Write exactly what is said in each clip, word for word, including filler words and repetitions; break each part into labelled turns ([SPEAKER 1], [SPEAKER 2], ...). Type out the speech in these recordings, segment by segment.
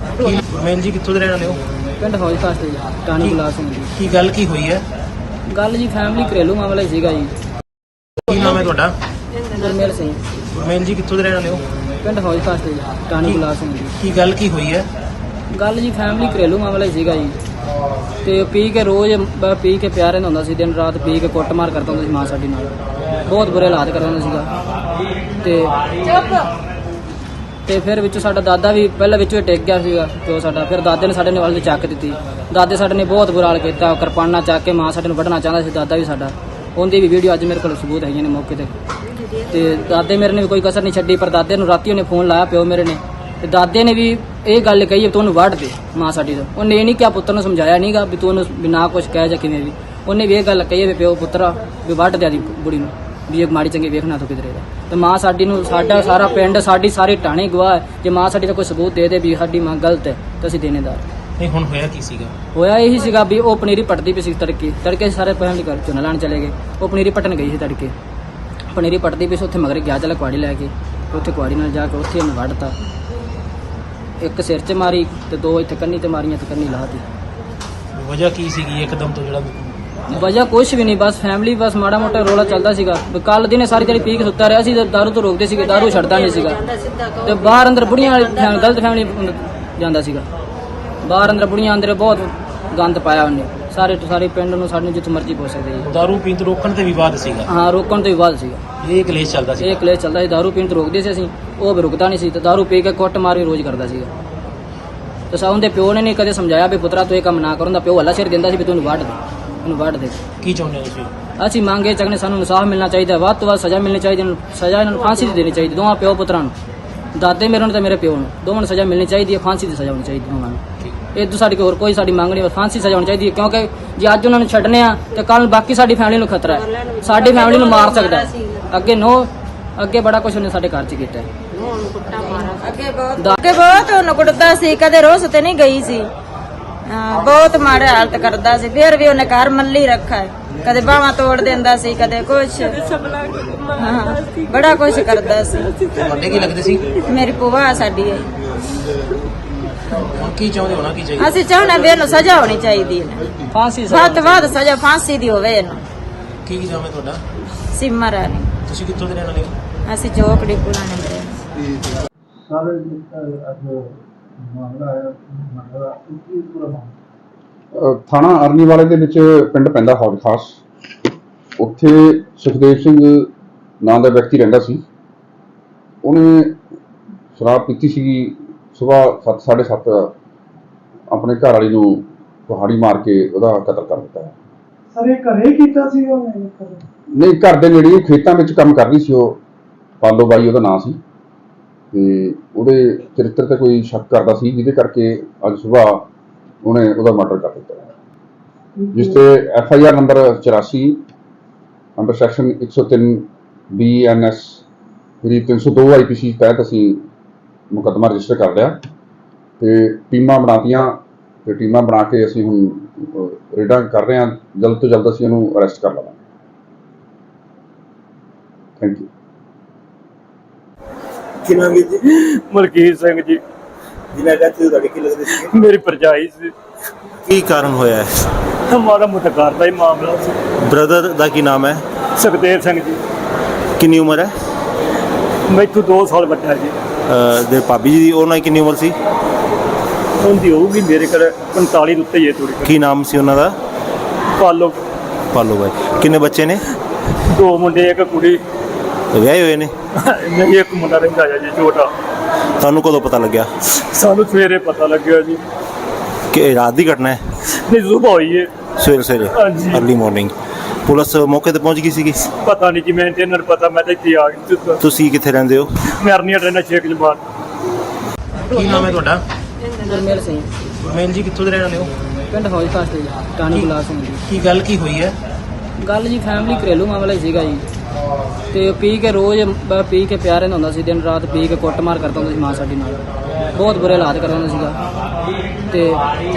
[SPEAKER 1] Main ਜੀ ਕਿੱਥੋਂ ਦੇ ਰਹਿਣ ਵਾਲੇ ਹੋ?
[SPEAKER 2] ਪਿੰਡ ਹੌਜ ਖਾਸ ਤੇ ਟਾਣੀ ਗੁਲਾਬ ਸਿੰਘ ਜੀ।
[SPEAKER 1] ਕੀ ਗੱਲ ਕੀ ਹੋਈ ਹੈ?
[SPEAKER 2] ਗੱਲ ਜੀ ਫੈਮਿਲੀ ਘਰੇਲੂ ਮਾਮਲਾ ਹੀ ਸੀਗਾ ਜੀ।
[SPEAKER 1] ਕੀ ਨਾਮ ਹੈ ਤੁਹਾਡਾ?
[SPEAKER 2] ਗੁਰਮੇਲ ਸਿੰਘ।
[SPEAKER 1] ਮੇਨ ਜੀ ਕਿੱਥੋਂ ਦੇ ਰਹਿਣ ਵਾਲੇ ਹੋ?
[SPEAKER 2] ਪਿੰਡ ਹੌਜ ਖਾਸ ਤੇ ਟਾਣੀ ਗੁਲਾਬ ਸਿੰਘ ਜੀ।
[SPEAKER 1] ਕੀ ਗੱਲ ਕੀ ਹੋਈ ਹੈ?
[SPEAKER 2] ਗੱਲ ਜੀ ਫੈਮਿਲੀ ਘਰੇਲੂ ਮਾਮਲਾ ਹੀ ਸੀਗਾ ਜੀ। ਤੇ ਪੀ ਕੇ ਰੋਜ਼ ਬ- ਪੀ ਕੇ ਪਿਆ ਰਹਿੰਦਾ ਹੁੰਦਾ ਸੀ, ਦਿਨ ਰਾਤ ਪੀ ਕੇ ਕੁੱਟਮਾਰ ਕਰਦਾ ਹੁੰਦਾ ਸੀ ਮਾਂ ਸਾਡੀ ਨਾਲ, ਬਹੁਤ ਬੁਰੇ ਹਾਲਾਤ ਕਰਦਾ ਹੁੰਦਾ ਸੀਗਾ। ਤੇ ਤੇ ਫਿਰ ਵਿੱਚੋਂ ਸਾਡਾ ਦਾਦਾ ਵੀ ਪਹਿਲਾਂ ਵਿੱਚੋਂ ਹੀ ਟਿਕ ਗਿਆ ਸੀਗਾ ਪਿਓ ਸਾਡਾ। ਫਿਰ ਦਾਦੇ ਨੇ ਸਾਡੇ ਨੇ ਵੱਲ ਦੀ ਚੱਕ ਦਿੱਤੀ। ਦਾਦੇ ਸਾਡੇ ਨੇ ਬਹੁਤ ਬੁਰਾ ਹਾਲ ਕੀਤਾ, ਕਿਰਪਾਨਾਂ ਚੱਕ ਕੇ ਮਾਂ ਸਾਡੇ ਨੂੰ ਵੱਢਣਾ ਚਾਹੁੰਦਾ ਸੀ ਦਾਦਾ ਵੀ ਸਾਡਾ। ਉਹਦੀ ਵੀ ਵੀਡੀਓ ਅੱਜ ਮੇਰੇ ਕੋਲ ਸਬੂਤ ਹੈਗੀਆਂ ਨੇ ਮੌਕੇ ਤੇ। ਤੇ ਦਾਦੇ ਮੇਰੇ ਨੇ ਵੀ ਕੋਈ ਕਸਰ ਨਹੀਂ ਛੱਡੀ, ਪਰ ਦਾਦੇ ਨੂੰ ਰਾਤੀ ਉਹਨੇ ਫੋਨ ਲਾਇਆ ਪਿਓ ਮੇਰੇ ਨੇ, ਤੇ ਦਾਦੇ ਨੇ ਵੀ ਇਹ ਗੱਲ ਕਹੀ ਤੂੰ ਉਹਨੂੰ ਵੱਢ ਦੇ ਮਾਂ ਸਾਡੀ ਤੋਂ। ਉਹਨੇ ਇਹ ਨਹੀਂ ਕਿਹਾ, ਪੁੱਤਰ ਨੂੰ ਸਮਝਾਇਆ ਨਹੀਂਗਾ ਵੀ ਤੂੰ ਉਹਨੂੰ ਵੀ ਨਾ ਕੁਛ ਕਹਿ ਜਾਂ ਕਿਵੇਂ ਵੀ। ਉਹਨੇ ਵੀ ਇਹ ਗੱਲ ਕਹੀ ਵੀ ਪਿਓ ਪੁੱਤਰਾ ਵੀ ਵੱਢ ਦੇ ਦੀ ਬੁੜੀ ਨੂੰ, ਵੀ ਇਹ ਮਾੜੀ ਚੰਗੀ ਵੇਖਣਾ ਤੂੰ ਕਿਧਰੇ ਦਾ। ਤੇ ਮਾਂ ਸਾਡੀ ਨੂੰ ਸਾਡਾ ਸਾਰਾ ਪਿੰਡ ਸਾਡੀ ਸਾਰੀ ਟਾਣੀ ਗਵਾਹ ਹੈ। ਜੇ ਮਾਂ ਸਾਡੀ ਦਾ ਕੋਈ ਸਬੂਤ ਦੇ ਦੇ ਵੀ ਸਾਡੀ ਮਾਂ ਗਲਤ ਹੈ ਤਾਂ ਅਸੀਂ ਦੇਣੇਦਾਰ।
[SPEAKER 1] ਨਹੀਂ ਹੁਣ ਹੋਇਆ ਕੀ ਸੀਗਾ?
[SPEAKER 2] ਹੋਇਆ ਇਹੀ ਸੀਗਾ ਵੀ ਉਹ ਪਨੀਰੀ ਪੱਟਦੀ ਪਈ ਸੀ ਤੜਕੇ ਤੜਕੇ ਸਾਰੇ ਫੈਮਿਲੀ ਘਰ ਝੋਨਾ ਲਾਣ ਚਲੇ ਗਏ। ਉਹ ਪਨੀਰੀ ਪੱਟਣ ਗਈ ਸੀ ਤੜਕੇ, ਪਨੀਰੀ ਪੱਟਦੀ ਪਈ ਸੀ। ਉੱਥੇ ਮਗਰ ਗਿਆ ਚੱਲ ਕੁਆੜੀ ਲੈ ਕੇ, ਉੱਥੇ ਕੁਆੜੀ ਨਾਲ ਜਾ ਕੇ ਉੱਥੇ ਉਹਨੂੰ ਵੱਢਤਾ। ਇੱਕ ਸਿਰ 'ਚ ਮਾਰੀ ਤੇ ਦੋ ਇੱਥੇ ਕੰਨੀ ਤੇ ਮਾਰੀਆਂ ਤੇ ਕੰਨੀ ਲਾਤੀ।
[SPEAKER 1] ਵਜ੍ਹਾ ਕੀ ਸੀਗੀ ਇੱਕਦਮ ਤੋਂ ਜਿਹੜਾ?
[SPEAKER 2] ਵਜ੍ਹਾ ਕੁਛ ਵੀ ਨਹੀਂ, ਬਸ ਫੈਮਿਲੀ ਬਸ ਮਾੜਾ ਮੋਟਾ ਰੋਲਾ ਚੱਲਦਾ ਸੀਗਾ। ਕੱਲ ਦਿਨੇ ਸਾਰੀ ਦਿਹਾੜੀ ਪੀ ਕੇ ਸੁੱਤਾ ਰਿਹਾ ਸੀ। ਦਾਰੂ ਤੋਂ ਰੋਕਦੇ ਸੀਗੇ, ਦਾਰੂ ਛੱਡਦਾ ਨਹੀਂ ਸੀਗਾ। ਤੇ ਬਾਹਰ ਅੰਦਰ ਬੁੜੀਆਂ ਵਾਲੀ ਫੈਮ- ਗਲਤ ਫੈਮਿਲੀ ਜਾਂਦਾ ਸੀਗਾ। ਬਾਹਰ ਅੰਦਰ ਬੁੜੀਆਂ ਅੰਦਰ ਬਹੁਤ ਗੰਦ ਪਾਇਆ ਉਹਨੇ। ਸਾਰੇ ਸਾਰੇ ਪਿੰਡ ਨੂੰ ਸਾਡੇ ਜਿੱਥੇ ਮਰਜ਼ੀ ਪਹੁੰਚ ਸਕਦੇ ਜੀ।
[SPEAKER 1] ਦਾਰੂ ਪੀਣ ਤੋਂ ਰੋਕਣ ਤੇ ਵਿਵਾਦ ਸੀਗਾ?
[SPEAKER 2] ਹਾਂ, ਰੋਕਣ ਤੋਂ ਹੀ ਬਾਅਦ ਸੀਗਾ
[SPEAKER 1] ਇਹ ਕਲੇਸ਼ ਚੱਲਦਾ ਸੀ?
[SPEAKER 2] ਇਹ ਕਲੇਸ਼ ਚੱਲਦਾ ਸੀ। ਦਾਰੂ ਪੀਣ ਤੋਂ ਰੋਕਦੇ ਸੀ ਅਸੀਂ, ਉਹ ਵੀ ਰੁਕਦਾ ਨਹੀਂ ਸੀ। ਤੇ ਦਾਰੂ ਪੀ ਕੇ ਕੁੱਟ ਮਾਰ ਵੀ ਰੋਜ਼ ਕਰਦਾ ਸੀਗਾ। ਤੇ ਸਾ ਉਹਦੇ ਪਿਓ ਨੇ ਨਹੀਂ ਕਦੇ ਸਮਝਾਇਆ ਵੀ ਪੁੱਤਰਾ ਤੂੰ ਇਹ ਕੰਮ ਨਾ ਕਰਨ ਦਾ। ਪਿਓ ਹੱਲਾ ਸਿਰ ਦਿੰਦਾ ਸੀ ਵੀ ਤੂੰ ਉਹਨੂੰ ਵੱਢ ਦੇ, ਉਹਨੂੰ ਵੱਢ ਦੇ।
[SPEAKER 1] ਕੀ ਚਾਹੁੰਦੇ ਹੋ ਤੁਸੀਂ?
[SPEAKER 2] ਅਸੀਂ ਮੰਗੇ ਚੱਕਨੇ ਸਾਨੂੰ ਇਨਸਾਫ ਮਿਲਣਾ ਚਾਹੀਦਾ, ਵੱਧ ਤੋਂ ਵੱਧ ਸਜ਼ਾ ਮਿਲਣੀ ਚਾਹੀਦੀ। ਇਹਨੂੰ ਸਜ਼ਾ ਇਹਨਾਂ ਨੂੰ ਫਾਂਸੀ ਦੀ ਦੇਣੀ ਚਾਹੀਦੀ, ਦੋਵਾਂ ਪਿਓ ਪੁੱਤਰਾਂ ਨੂੰ, ਦਾਦੇ ਮੇਰੇ ਨੂੰ ਤੇ ਮੇਰੇ ਪਿਓ ਨੂੰ, ਦੋਵਾਂ ਨੂੰ ਸਜ਼ਾ ਮਿਲਣੀ ਚਾਹੀਦੀ ਹੈ। ਫਾਂਸੀ ਦੀ ਸਜ਼ਾ ਹੋਣੀ ਚਾਹੀਦੀ ਦੋਵਾਂ ਨੂੰ। ਇਹ ਤੋਂ ਸਾਡੀ ਹੋਰ ਕੋਈ ਸਾਡੀ ਮੰਗ ਨਹੀਂ, ਫਾਂਸੀ ਸਜ਼ਾ ਹੋਣੀ ਚਾਹੀਦੀ ਹੈ। ਕਿਉਂਕਿ ਜੇ ਅੱਜ ਉਹਨਾਂ ਨੂੰ ਛੱਡਨੇ ਆ ਤੇ ਕੱਲ ਬਾਕੀ ਸਾਡੀ ਫੈਮਿਲੀ ਨੂੰ ਖਤਰਾ ਹੈ। ਸਾਡੀ ਫੈਮਿਲੀ ਨੂੰ ਮਾਰ ਸਕਦਾ ਹੈ। ਅੱਗੇ ਨੋ ਅੱਗੇ ਬੜਾ ਕੁਝ ਉਹਨੇ ਸਾਡੇ ਘਰ 'ਚ ਕੀਤਾ ਹੈ।
[SPEAKER 3] ਅੱਗੇ ਬਹੁਤ ਅੱਗੇ ਬਹੁਤ ਉਹਨੂੰ ਕੁੱਟਦਾ ਸੀ, ਕਦੇ ਰੋਸ ਤੇ ਨਹੀਂ ਗਈ ਸੀ। ਹਾਂ, ਬਹੁਤ ਮਾੜੇ ਹਾਲਤ ਕਰਦਾ ਸੀ। ਫਿਰ ਵੀ ਉਹਨੇ ਘਰ ਮੱਲੀ ਰੱਖਾ ਹੈ। ਕਦੇ ਬਾਹਾਂ ਤੋੜ ਦਿੰਦਾ ਸੀ, ਕਦੇ ਕੁਛ, ਹਾਂ ਬੜਾ ਕੁਛ ਕਰਦਾ ਸੀ।
[SPEAKER 1] ਤੁਹਾਡੇ ਕੀ ਲੱਗਦੇ ਸੀ?
[SPEAKER 3] ਮੇਰੀ ਭੂਆ ਸਾਡੀ ਹੈ।
[SPEAKER 1] ਹੁਣ ਕੀ ਚਾਹੁੰਦੇ ਹੋਣਾ ਕੀ ਚਾਹੀਦਾ?
[SPEAKER 3] ਅਸੀਂ ਚਾਹੁੰਦੇ ਵੀ ਇਹਨੂੰ ਸਜ਼ਾ ਹੋਣੀ ਚਾਹੀਦੀ ਹੈ,
[SPEAKER 2] ਫਾਂਸੀ
[SPEAKER 3] ਵੱਧ ਤੋਂ ਵੱਧ ਸਜ਼ਾ ਫਾਂਸੀ ਦੀ ਹੋਵੇ ਇਹਨੂੰ।
[SPEAKER 1] ਕੀ ਨਾਮ ਹੈ ਤੁਹਾਡਾ?
[SPEAKER 3] ਸਿਮਰ ਰਾਣੀ।
[SPEAKER 1] ਤੁਸੀਂ ਕਿੱਥੋਂ ਦੇ ਰਹਿਣ ਵਾਲੇ ਹੋ?
[SPEAKER 3] ਅਸੀਂ ਚੋਕੜੀ ਪੁਰਾਣੇ ਦੇ।
[SPEAKER 4] ਸਾਰੇ ਅੱਜ ਮਾਮਲਾ ਹੈ ਮਾਮਲਾ ਕੀ ਪੂਰਾ ਮਾਮਲਾ?
[SPEAKER 5] ਥਾਣਾ ਅਰਨੀ ਵਾਲੇ ਦੇ ਵਿੱਚ ਪਿੰਡ ਪੈਂਦਾ ਹੌਜ ਖਾਸ। ਉੱਥੇ ਸੁਖਦੇਵ ਸਿੰਘ ਨਾਂ ਦਾ ਵਿਅਕਤੀ ਰਹਿੰਦਾ ਸੀ। ਉਹਨੇ ਸ਼ਰਾਬ ਪੀਤੀ ਸੀਗੀ। ਸੁਬਾਹ ਸੱਤ ਸਾਢੇ ਸੱਤ ਆਪਣੇ ਘਰ ਵਾਲੀ ਨੂੰ ਕੁਹਾੜੀ ਮਾਰ ਕੇ ਉਹਦਾ ਕਤਲ ਕਰ ਦਿੱਤਾ ਹੈ।
[SPEAKER 4] ਸਰ ਇਹ ਘਰੇ ਕੀਤਾ ਸੀ ਉਹਨੇ?
[SPEAKER 5] ਨਹੀਂ, ਘਰ ਦੇ ਨੇੜੇ ਖੇਤਾਂ ਵਿੱਚ ਕੰਮ ਕਰਦੀ ਸੀ ਉਹ। ਪਾਲੋ ਬਾਈ ਉਹਦਾ ਨਾਂ ਸੀ। ਤੇ ਉਹਦੇ ਚਰਿੱਤਰ ਤੇ ਕੋਈ ਸ਼ੱਕ ਕਰਦਾ ਸੀ, ਜਿਹਦੇ ਕਰਕੇ ਅੱਜ ਸੁਬਾਹ ਉਹਨੇ ਉਹਦਾ ਮਰਡਰ ਕਰ ਦਿੱਤਾ, ਜਿਸ ਤੇ ਐਫ ਆਈ ਆਰ ਨੰਬਰ ਚੁਰਾਸੀ ਅੰਡਰ ਸੈਕਸ਼ਨ ਇੱਕ ਸੌ ਤਿੰਨ ਬੀ ਐਨ ਐਸ ਜਿਹੜੀ ਤਿੰਨ ਸੌ ਦੋ ਆਈ ਪੀ ਸੀ ਤਹਿਤ ਅਸੀਂ ਮੁਕੱਦਮਾ ਰਜਿਸਟਰ ਕਰ ਲਿਆ ਤੇ ਟੀਮਾਂ ਬਣਾਤੀਆਂ ਤੇ ਟੀਮਾਂ ਬਣਾ ਕੇ ਅਸੀਂ ਹੁਣ ਰੇਡਾਂ ਕਰ ਰਹੇ ਹਾਂ। ਜਲਦ ਤੋਂ ਜਲਦ ਅਸੀਂ ਇਹਨੂੰ ਅਰੈਸਟ ਕਰ ਲਵਾਂਗੇ। Thank you.
[SPEAKER 6] ਕੀ ਨਾਮ ਹੈ ਜੀ?
[SPEAKER 7] ਮਲਕੀਤ ਸਿੰਘ ਜੀ।
[SPEAKER 6] ਜਿਨ੍ਹਾਂ ਦਾ ਤੁਹਾਡੇ ਕੀ ਲੱਗਦੇ ਸੀ?
[SPEAKER 7] ਮੇਰੀ ਭਰਜਾਈ ਸੀ।
[SPEAKER 6] ਕੀ ਕਾਰਨ ਹੋਇਆ ਹੈ?
[SPEAKER 7] ਮਾੜਾ ਮੋਟਾ ਘਰ ਦਾ ਹੀ ਮਾਮਲਾ ਸੀ।
[SPEAKER 6] ਬ੍ਰਦਰ ਦਾ ਕੀ ਨਾਮ ਹੈ?
[SPEAKER 7] ਸੁਖਦੇਵ ਸਿੰਘ ਜੀ।
[SPEAKER 6] ਕਿੰਨੀ ਉਮਰ ਹੈ?
[SPEAKER 7] ਮੈਥੋਂ ਦੋ ਸਾਲ ਵੱਡਾ ਜੀ।
[SPEAKER 6] ਅਹ ਦੇ ਭਾਬੀ ਜੀ ਦੀ ਉਹਨਾਂ ਦੀ ਕਿੰਨੀ ਉਮਰ ਸੀ?
[SPEAKER 7] ਉਹਦੀ ਹੋਊਗੀ ਮੇਰੇ ਕੋਲ ਪੰਤਾਲੀ ਦੇ ਉੱਤੇ ਹੀ ਹੈ ਥੋੜੀ।
[SPEAKER 6] ਕੀ ਨਾਮ ਸੀ ਉਹਨਾਂ ਦਾ?
[SPEAKER 7] ਪਾਲੋ।
[SPEAKER 6] ਪਾਲੋ ਬਾਈ। ਕਿੰਨੇ ਬੱਚੇ ਨੇ?
[SPEAKER 7] ਦੋ ਮੁੰਡੇ ਇੱਕ ਕੁੜੀ।
[SPEAKER 6] ਵਿਆਹੇ ਹੋਏ ਨੇ?
[SPEAKER 7] ਨਹੀਂ, ਇੱਕ ਮੁੰਡਾ ਰਹਿੰਦਾ ਹੈ ਜੀ ਛੋਟਾ।
[SPEAKER 6] ਤੁਹਾਨੂੰ ਕਦੋਂ ਪਤਾ ਲੱਗਿਆ?
[SPEAKER 7] ਸਾਨੂੰ ਸਵੇਰੇ ਪਤਾ ਲੱਗਿਆ ਜੀ।
[SPEAKER 6] ਕਿ ਇਹ ਰਾਤ ਦੀ ਘਟਨਾ ਹੈ?
[SPEAKER 7] ਨਹੀਂ, ਸੁਬਾਹ ਹੋਈ ਹੈ।
[SPEAKER 6] ਸਵੇਰੇ ਸਵੇਰੇ
[SPEAKER 7] ਹਾਂਜੀ।
[SPEAKER 6] ਅਰਲੀ ਮਾਰਨਿੰਗ ਪੁਲਿਸ ਮੌਕੇ ਤੇ ਪਹੁੰਚ ਗਈ ਸੀਗੀ?
[SPEAKER 7] ਪਤਾ ਨਹੀਂ ਜੀ, ਮੈਨੂੰ ਤੇ ਇਹਨਾਂ ਨੂੰ ਪਤਾ, ਮੈਂ ਤਾਂ ਇੱਥੇ ਆ ਗਈ।
[SPEAKER 6] ਤੁਸੀਂ ਕਿੱਥੇ ਰਹਿੰਦੇ ਹੋ?
[SPEAKER 7] ਮੈਂ ਅਰਨੀਆ ਰਹਿਣਾ ਛੇਕ ਜਮਾਨ।
[SPEAKER 1] ਕੀ ਨਾਮ ਹੈ ਤੁਹਾਡਾ?
[SPEAKER 2] ਗੁਰਮੇਲ ਸਿੰਘ।
[SPEAKER 1] ਮੇਨ ਜੀ ਕਿੱਥੋਂ ਦੇ ਰਹਿਣ ਵਾਲੇ ਹੋ?
[SPEAKER 2] ਪਿੰਡ ਹੌਜ ਖਾਸ ਤੇ ਟਾਣੀ ਗੁਲਾਬ ਸਿੰਘ ਜੀ।
[SPEAKER 1] ਕੀ ਗੱਲ ਕੀ ਹੋਈ ਹੈ?
[SPEAKER 2] ਗੱਲ ਜੀ ਫੈਮਿਲੀ ਘਰੇਲੂ ਮਾਮਲਾ ਹੀ ਸੀਗਾ ਜੀ। ਤੇ ਪੀ ਕੇ ਰੋਜ਼ ਬ- ਪੀ ਕੇ ਪਿਆ ਰਹਿੰਦਾ ਹੁੰਦਾ ਸੀ, ਦਿਨ ਰਾਤ ਪੀ ਕੇ ਕੁੱਟਮਾਰ ਕਰਦਾ ਹੁੰਦਾ ਸੀ ਮਾਂ ਸਾਡੀ ਨਾਲ, ਬਹੁਤ ਬੁਰੇ ਹਾਲਾਤ ਕਰਦਾ ਹੁੰਦਾ ਸੀਗਾ। ਤੇ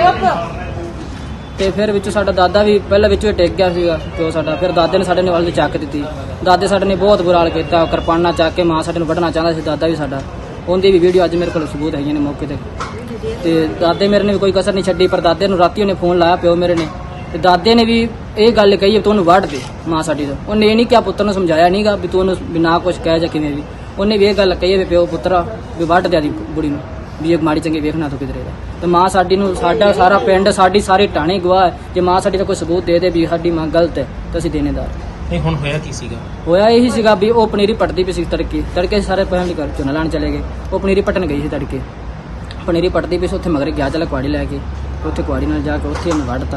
[SPEAKER 2] ਤੇ ਫਿਰ ਵਿੱਚੋਂ ਸਾਡਾ ਦਾਦਾ ਵੀ ਪਹਿਲਾਂ ਵਿੱਚੋਂ ਹੀ ਟਿਕ ਗਿਆ ਸੀਗਾ ਪਿਓ ਸਾਡਾ। ਫਿਰ ਦਾਦੇ ਨੇ ਸਾਡੇ ਨੇ ਵੱਲ ਦੀ ਚੱਕ ਦਿੱਤੀ। ਦਾਦੇ ਸਾਡੇ ਨੇ ਬਹੁਤ ਬੁਰਾ ਹਾਲ ਕੀਤਾ, ਕਿਰਪਾਨਾਂ ਚੱਕ ਕੇ ਮਾਂ ਸਾਡੇ ਨੂੰ ਵੱਢਣਾ ਚਾਹੁੰਦਾ ਸੀ ਦਾਦਾ ਵੀ ਸਾਡਾ। ਉਹਦੀ ਵੀ ਵੀਡੀਓ ਅੱਜ ਮੇਰੇ ਕੋਲ ਸਬੂਤ ਹੈਗੀਆਂ ਨੇ ਮੌਕੇ ਤੇ। ਤੇ ਦਾਦੇ ਮੇਰੇ ਨੇ ਵੀ ਕੋਈ ਕਸਰ ਨਹੀਂ ਛੱਡੀ, ਪਰ ਦਾਦੇ ਨੂੰ ਰਾਤੀ ਉਹਨੇ ਫੋਨ ਲਾਇਆ ਪਿਓ ਮੇਰੇ ਨੇ, ਤੇ ਦਾਦੇ ਨੇ ਵੀ ਇਹ ਗੱਲ ਕਹੀ ਤੂੰ ਉਹਨੂੰ ਵੱਢ ਦੇ ਮਾਂ ਸਾਡੀ ਦਾ। ਉਹਨੇ ਇਹ ਨਹੀਂ ਕਿਹਾ, ਪੁੱਤਰ ਨੂੰ ਸਮਝਾਇਆ ਨਹੀਂਗਾ ਵੀ ਤੂੰ ਉਹਨੂੰ ਵੀ ਨਾ ਕੁਛ ਕਹਿ ਜਾਂ ਕਿਵੇਂ ਵੀ। ਉਹਨੇ ਵੀ ਇਹ ਗੱਲ ਕਹੀ ਵੀ ਪਿਓ ਪੁੱਤਰਾ ਵੀ ਵੱਢ ਦਿਆ ਦੀ ਬੁੜੀ ਨੂੰ, ਵੀ ਇਹ ਮਾੜੀ ਚੰਗੀ ਵੇਖਣਾ ਤੂੰ ਕਿਧਰੇ ਦਾ। ਤੇ ਮਾਂ ਸਾਡੀ ਨੂੰ, ਸਾਡਾ ਸਾਰਾ ਪਿੰਡ, ਸਾਡੀ ਸਾਰੀ ਟਾਣੀ ਗਵਾਹ ਹੈ। ਜੇ ਮਾਂ ਸਾਡੀ ਦਾ ਕੋਈ ਸਬੂਤ ਦੇ ਦੇ ਵੀ ਸਾਡੀ ਮਾਂ ਗਲਤ ਹੈ ਤਾਂ ਅਸੀਂ ਦੇਣੇਦਾਰ।
[SPEAKER 1] ਨਹੀਂ ਹੁਣ ਹੋਇਆ ਕੀ ਸੀਗਾ?
[SPEAKER 2] ਹੋਇਆ ਇਹੀ ਸੀਗਾ ਵੀ ਉਹ ਪਨੀਰੀ ਪੱਟਦੀ ਪਈ ਸੀ ਤੜਕੇ ਤੜਕੇ ਸਾਰੇ ਫੈਮਿਲੀ ਘਰ ਝੋਨਾ ਲਾਉਣ ਚਲੇ ਗਏ। ਉਹ ਪਨੀਰੀ ਪੱਟਣ ਗਈ ਸੀ ਤੜਕੇ, ਪਨੀਰੀ ਪੱਟਦੀ ਪਈ ਸੀ, ਉੱਥੇ ਮਗਰ ਗਿਆ ਚੱਲ ਕੁਆੜੀ ਲੈ ਕੇ, ਉੱਥੇ ਕੁਆੜੀ ਨਾਲ ਜਾ ਕੇ ਉੱਥੇ ਉਹਨੂੰ ਵੱਢਤਾ।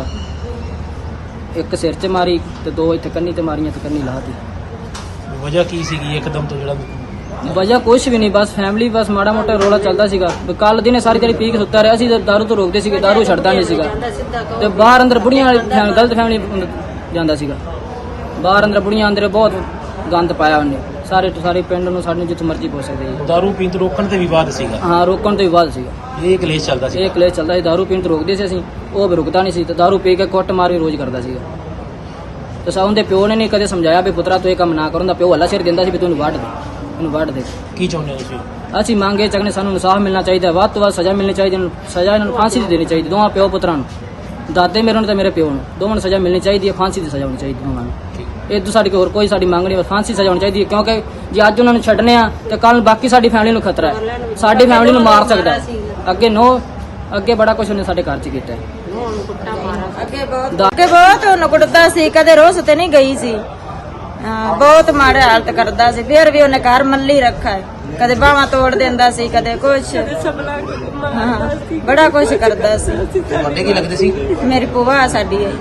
[SPEAKER 2] ਇੱਕ ਸਿਰ 'ਚ ਮਾਰੀ ਤੇ ਦੋ ਇੱਥੇ ਕੰਨੀ ਤੇ ਮਾਰੀਆਂ ਤੇ ਕੰਨੀ ਲਾਤੀ।
[SPEAKER 1] ਵਜ੍ਹਾ ਕੀ ਸੀਗੀ ਇੱਕਦਮ ਤੋਂ ਜਿਹੜਾ?
[SPEAKER 2] ਵਜ੍ਹਾ ਕੁਛ ਵੀ ਨਹੀਂ, ਬਸ ਫੈਮਿਲੀ, ਬਸ ਮਾੜਾ ਮੋਟਾ ਰੋਲਾ ਚੱਲਦਾ ਸੀਗਾ। ਕੱਲ ਦਿਨੇ ਸਾਰੀ ਦਿਹਾੜੀ ਪੀ ਕੇ ਸੁੱਤਾ ਰਿਹਾ ਸੀ, ਦਾਰੂ ਤੋਂ ਰੋਕਦੇ ਸੀਗੇ, ਦਾਰੂ ਛੱਡਦਾ ਨਹੀਂ ਸੀਗਾ। ਤੇ ਬਾਹਰ ਅੰਦਰ ਬੁੜੀਆਂ ਵਾਲੀ ਫੈਮ- ਗਲਤ ਫੈਮਿਲੀ ਜਾਂਦਾ ਸੀਗਾ, ਬਾਹਰ ਅੰਦਰ ਬੁੜੀਆਂ ਅੰਦਰ ਬਹੁਤ ਗੰਦ ਪਾਇਆ ਉਹਨੇ। ਸਾਰੇ ਸਾਰੇ ਪਿੰਡ ਨੂੰ, ਸਾਡੇ ਨੂੰ ਜਿੱਥੇ ਮਰਜ਼ੀ ਪਹੁੰਚ ਸਕਦੇ ਜੀ।
[SPEAKER 1] ਦਾਰੂ ਪੀਣ ਤੋਂ ਰੋਕਣ ਤੇ ਵਿਵਾਦ ਸੀਗਾ?
[SPEAKER 2] ਹਾਂ, ਰੋਕਣ ਤੋਂ ਵੀ ਬਾਅਦ ਸੀਗਾ
[SPEAKER 1] ਇਹ ਕਲੇਸ਼ ਚੱਲਦਾ ਸੀ?
[SPEAKER 2] ਇਹ ਕਲੇਸ਼ ਚੱਲਦਾ ਸੀ, ਦਾਰੂ ਪੀਣ ਤੋਂ ਰੋਕਦੇ ਸੀ ਅਸੀਂ, ਉਹ ਵੀ ਰੁਕਦਾ ਨਹੀਂ ਸੀ ਤੇ ਦਾਰੂ ਪੀ ਕੇ ਕੁੱਟ ਮਾਰ ਵੀ ਰੋਜ਼ ਕਰਦਾ ਸੀਗਾ। ਤੇ ਸਾ ਉਹਦੇ ਪਿਓ ਨੇ ਨਹੀਂ ਕਦੇ ਸਮਝਾਇਆ ਵੀ ਪੁੱਤਰਾ ਤੂੰ ਇਹ ਕੰਮ ਨਾ ਕਰਨ ਦਾ। ਪਿਓ ਹੱਲਾ ਸਿਰ ਦਿੰਦਾ ਸੀ ਵੀ ਤੂੰ ਇਹਨੂੰ ਵੱਢ ਦੇ, ਇਹਨੂੰ ਵੱਢ ਦੇ।
[SPEAKER 1] ਕੀ ਚਾਹੁੰਦੇ ਹੋ ਤੁਸੀਂ?
[SPEAKER 2] ਅਸੀਂ ਮੰਗੇ ਚੱਕਨੇ, ਸਾਨੂੰ ਇਨਸਾਫ ਮਿਲਣਾ ਚਾਹੀਦਾ, ਵੱਧ ਤੋਂ ਵੱਧ ਸਜ਼ਾ ਮਿਲਣੀ ਚਾਹੀਦੀ, ਇਹਨੂੰ ਸਜ਼ਾ ਇਹਨਾਂ ਨੂੰ ਫਾਂਸੀ ਦੀ ਦੇਣੀ ਚਾਹੀਦੀ, ਦੋਵਾਂ ਪਿਓ ਪੁੱਤਰਾਂ ਨੂੰ, ਦਾਦੇ ਮੇਰੇ ਨੂੰ ਤੇ ਮੇਰੇ ਪਿਓ ਨੂੰ, ਦੋਵਾਂ ਨੂੰ ਸਜ਼ਾ ਮਿਲਣੀ ਚਾਹੀਦੀ ਹੈ, ਫਾਂਸੀ ਦੀ ਸਜ਼ਾ ਹੋਣੀ ਚਾਹੀਦੀ ਦੋਵਾਂ ਨੂੰ। ਇਹ ਤੋਂ ਸਾਡੀ ਹੋਰ ਕੋਈ ਸਾਡੀ ਮੰਗ ਨਹੀਂ, ਬਸ ਫਾਂਸੀ ਸਜ਼ਾ ਹੋਣੀ ਚਾਹੀਦੀ ਹੈ। ਕਿਉਂਕਿ ਜੇ ਅੱਜ ਉਹਨਾਂ ਨੂੰ ਛੱਡਨੇ ਆ ਤੇ ਕੱਲ ਬਾਕੀ ਸਾਡੀ ਫੈਮਿਲੀ ਨੂੰ ਖਤਰਾ ਹੈ, ਸਾਡੀ ਫੈਮਿਲੀ ਨੂੰ ਮਾਰ ਸਕਦਾ ਹੈ। ਅੱਗੇ ਨੋ ਅੱਗੇ ਬੜਾ ਕੁਝ ਉਹਨੇ ਸਾਡੇ ਘਰ 'ਚ ਕੀਤਾ ਹੈ।
[SPEAKER 3] ਅੱਗੇ ਬਹੁਤ ਅੱਗੇ ਬਹੁਤ ਉਹਨੂੰ ਕੁੱਟਦਾ ਸੀ, ਕਦੇ ਰੋਸ ਤੇ ਨਹੀਂ ਗਈ ਸੀ। ਹਾਂ, ਬਹੁਤ ਮਾੜੇ ਹਾਲਤ ਕਰਦਾ ਸੀ, ਫਿਰ ਵੀ ਉਹਨੇ ਘਰ ਮੱਲੀ ਰੱਖਾ ਹੈ। ਕਦੇ ਬਾਹਾਂ ਤੋੜ ਦਿੰਦਾ ਸੀ, ਕਦੇ ਕੁਛ, ਹਾਂ ਬੜਾ ਕੁਛ ਕਰਦਾ ਸੀ।
[SPEAKER 1] ਤੁਹਾਡੇ ਕੀ ਲੱਗਦੇ ਸੀ?
[SPEAKER 3] ਮੇਰੀ ਭੂਆ ਸਾਡੀ ਹੈ।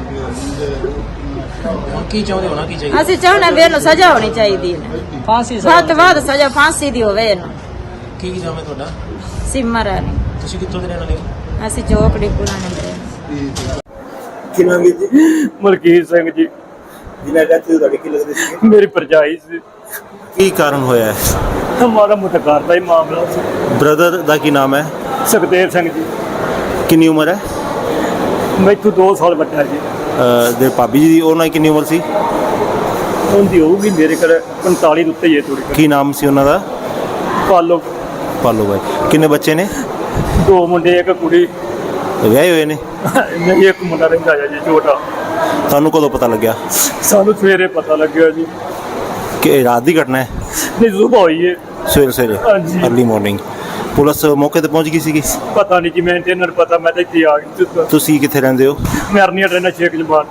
[SPEAKER 1] ਹੁਣ ਕੀ ਚਾਹੁੰਦੇ ਹੋ ਨਾ ਕੀ ਚਾਹੀਦਾ?
[SPEAKER 3] ਅਸੀਂ ਚਾਹੁੰਦੇ ਵੀ ਇਹਨੂੰ ਸਜ਼ਾ ਹੋਣੀ ਚਾਹੀਦੀ ਹੈ,
[SPEAKER 2] ਫਾਂਸੀ
[SPEAKER 3] ਵੱਧ ਤੋਂ ਵੱਧ ਸਜ਼ਾ ਫਾਂਸੀ ਦੀ ਹੋਵੇ ਇਹਨੂੰ।
[SPEAKER 1] ਕੀ ਨਾਮ ਹੈ ਤੁਹਾਡਾ?
[SPEAKER 3] ਸਿਮਰ ਹੈ,
[SPEAKER 1] ਤੁਸੀਂ ਕਿੱਥੋਂ ਦੇ ਰਹਿਣ ਵਾਲੇ ਹੋ?
[SPEAKER 3] ਅਸੀਂ ਚੌਕੜੀ ਪੁਰਾਣੇ ਦੇ।
[SPEAKER 6] ਕੀ ਨਾਮ ਹੈ ਜੀ?
[SPEAKER 7] ਮਲਕੀਤ ਸਿੰਘ ਜੀ,
[SPEAKER 6] ਜਿਨ੍ਹਾਂ ਦਾ ਤੁਹਾਡੇ ਕੀ ਲੱਗਦੇ ਸੀ?
[SPEAKER 7] ਮੇਰੀ ਭਰਜਾਈ ਸੀ।
[SPEAKER 6] ਕੀ ਕਾਰਨ ਹੋਇਆ ਹੈ?
[SPEAKER 7] ਹਮਾਰਾ ਮੁਤਕਾਰ ਦਾ ਹੀ ਮਾਮਲਾ ਸੀ।
[SPEAKER 6] ਬ੍ਰਦਰ ਦਾ ਕੀ ਨਾਮ ਹੈ?
[SPEAKER 7] ਸੁਖਦੇਵ ਸਿੰਘ ਜੀ,
[SPEAKER 6] ਕਿੰਨੀ ਉਮਰ ਹੈ?
[SPEAKER 7] ਮੈਥੋਂ ਦੋ ਸਾਲ ਵੱਡਾ ਜੀ।
[SPEAKER 6] ਅਹ ਦੇ ਭਾਬੀ ਜੀ ਦੀ ਉਹਨਾਂ ਦੀ ਕਿੰਨੀ ਉਮਰ ਸੀ?
[SPEAKER 7] ਉਹਦੀ ਹੋਊਗੀ ਮੇਰੇ ਕੋਲ ਪੰਤਾਲੀ ਦੇ ਉੱਤੇ ਹੀ ਹੈ ਥੋੜੀ।
[SPEAKER 6] ਕੀ ਨਾਮ ਸੀ ਉਹਨਾਂ ਦਾ?
[SPEAKER 7] ਪਾਲੋ,
[SPEAKER 6] ਪਾਲੋ ਬਾਈ। ਕਿੰਨੇ ਬੱਚੇ ਨੇ?
[SPEAKER 7] ਦੋ ਮੁੰਡੇ ਇੱਕ ਕੁੜੀ।
[SPEAKER 6] ਵਿਆਹੇ ਹੋਏ ਨੇ?
[SPEAKER 7] ਨਹੀਂ, ਇੱਕ ਮੁੰਡਾ ਰਹਿੰਦਾ ਹੈ ਜੀ ਛੋਟਾ।
[SPEAKER 6] ਤੁਹਾਨੂੰ ਕਦੋਂ ਪਤਾ ਲੱਗਿਆ?
[SPEAKER 7] ਸਾਨੂੰ ਸਵੇਰੇ ਪਤਾ ਲੱਗਿਆ ਜੀ।
[SPEAKER 6] ਕਿ ਇਹ ਰਾਤ ਦੀ ਘਟਨਾ ਹੈ?
[SPEAKER 7] ਨਹੀਂ, ਸੁਬਹ ਹੋਈ ਹੈ।
[SPEAKER 6] ਸਵੇਰੇ ਸਵੇਰੇ
[SPEAKER 7] ਹਾਂਜੀ।
[SPEAKER 6] ਅਰਲੀ ਮਾਰਨਿੰਗ ਪੁਲਿਸ ਮੌਕੇ ਤੇ ਪਹੁੰਚ ਗਈ ਸੀਗੀ?
[SPEAKER 7] ਪਤਾ ਨਹੀਂ ਜੀ, ਮੈਂ ਤੇ ਇਹਨਾਂ ਨੂੰ ਪਤਾ, ਮੈਂ ਤਾਂ ਇੱਥੇ ਆ ਗਈ।
[SPEAKER 6] ਤੁਸੀਂ ਕਿੱਥੇ ਰਹਿੰਦੇ ਹੋ?
[SPEAKER 7] ਮੈਂ ਅਰਨੀਆ ਰਹਿਣਾ ਸ਼ੇਖ ਜਮਾਨ।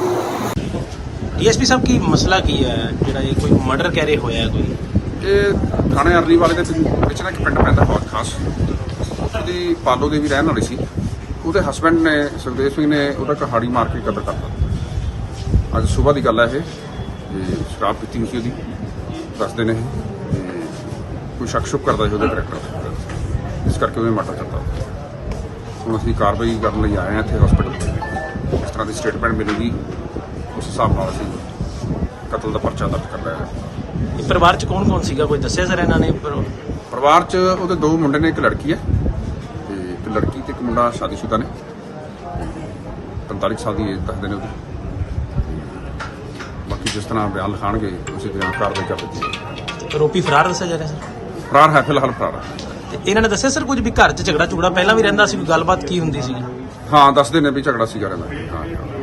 [SPEAKER 1] ਡੀਐਸਪੀ ਸਾਹਿਬ ਕੀ ਮਸਲਾ ਕੀ ਹੈ ਜਿਹੜਾ ਇਹ ਕੋਈ ਮਰਡਰ ਕਹਿ ਰਹੇ ਹੋਇਆ ਹੈ ਕੋਈ?
[SPEAKER 5] ਇਹ ਥਾਣੇ ਅਰਲੀ ਵਾਲੇ ਦੇ ਵਿੱਚ ਨਾ ਇੱਕ ਪਿੰਡ ਪੈਂਦਾ ਬਹੁਤ ਖਾਸ, ਉਹਦੀ ਪਾਲੋ ਦੇ ਵੀ ਰਹਿਣ ਵਾਲੀ ਸੀ। ਉਹਦੇ ਹਸਬੈਂਡ ਨੇ, ਸੁਖਦੇਵ ਸਿੰਘ ਨੇ, ਉਹਦਾ ਕਹਾੜੀ ਮਾਰ ਕੇ ਕਤਲ ਕਰਤਾ। ਅੱਜ ਸਵੇਰ ਦੀ ਗੱਲ ਹੈ ਇਹ। ਤੇ ਸ਼ਰਾਬ ਪੀਤੀ ਹੋਈ ਸੀ ਉਹਦੀ, ਦੱਸਦੇ ਨੇ ਇਹ। ਤੇ ਕੋਈ ਸ਼ੱਕ ਸ਼ੁਕ ਕਰਦਾ ਸੀ ਉਹਦੇ ਕਰੈਕਟਰ, ਇਸ ਕਰਕੇ ਉਹਨੇ ਮਰਡਰ ਕਰਤਾ। ਹੁਣ ਅਸੀਂ ਕਾਰਵਾਈ ਕਰਨ ਲਈ ਆਏ ਹਾਂ ਇੱਥੇ ਹਸਪੀਟਲ। ਇਸ ਤਰ੍ਹਾਂ ਦੀ ਸਟੇਟਮੈਂਟ ਮਿਲੇਗੀ, ਉਸ ਹਿਸਾਬ ਨਾਲ ਅਸੀਂ ਕਤਲ ਦਾ ਪਰਚਾ ਦਰਜ ਕਰ ਲਿਆ ਹੈ।
[SPEAKER 1] ਇਹ ਪਰਿਵਾਰ ਚ ਕੌਣ ਕੌਣ ਸੀਗਾ, ਕੋਈ ਦੱਸਿਆ ਸਰ ਇਹਨਾਂ ਨੇ?
[SPEAKER 5] ਪਰਿਵਾਰ 'ਚ ਉਹਦੇ ਦੋ ਮੁੰਡੇ ਨੇ, ਇੱਕ ਲੜਕੀ ਹੈ ਤੇ ਇੱਕ ਲੜਕੀ ਤੇ ਇੱਕ ਮੁੰਡਾ ਸ਼ਾਦੀशुदा ਨੇ। ਪੰਤਾਲੀ ਸਾਲ ਦੀ ਏਜ ਦੱਸਦੇ ਨੇ ਉਹਦੀ। ਬਾਕੀ ਜਿਸ ਤਰ੍ਹਾਂ ਬਿਆਨ ਲਿਖਾਣਗੇ ਉਸੇ ਤਰ੍ਹਾਂ ਕਾਰਵਾਈ ਕਰ ਦਿੱਤੀ ਜਾਏਗੀ।
[SPEAKER 1] ਆਰੋਪੀ ਫਰਾਰ ਦੱਸਿਆ ਜਾ ਰਿਹਾ ਸਰ?
[SPEAKER 5] ਫਰਾਰ ਹੈ, ਫਿਲਹਾਲ ਫਰਾਰ ਹੈ।
[SPEAKER 1] ਤੇ ਇਹਨਾਂ ਨੇ ਦੱਸਿਆ ਸਰ ਕੁਝ ਵੀ ਘਰ ਚ ਝਗੜਾ ਝੁਗੜਾ ਪਹਿਲਾਂ ਵੀ ਰਹਿੰਦਾ ਸੀ, ਕੋਈ ਗੱਲਬਾਤ ਕੀ ਹੁੰਦੀ ਸੀ?
[SPEAKER 5] ਹਾਂ, ਦੱਸਦੇ ਨੇ ਵੀ ਝਗੜਾ ਸੀਗਾ ਰਹਿੰਦਾ। ਹਾਂ।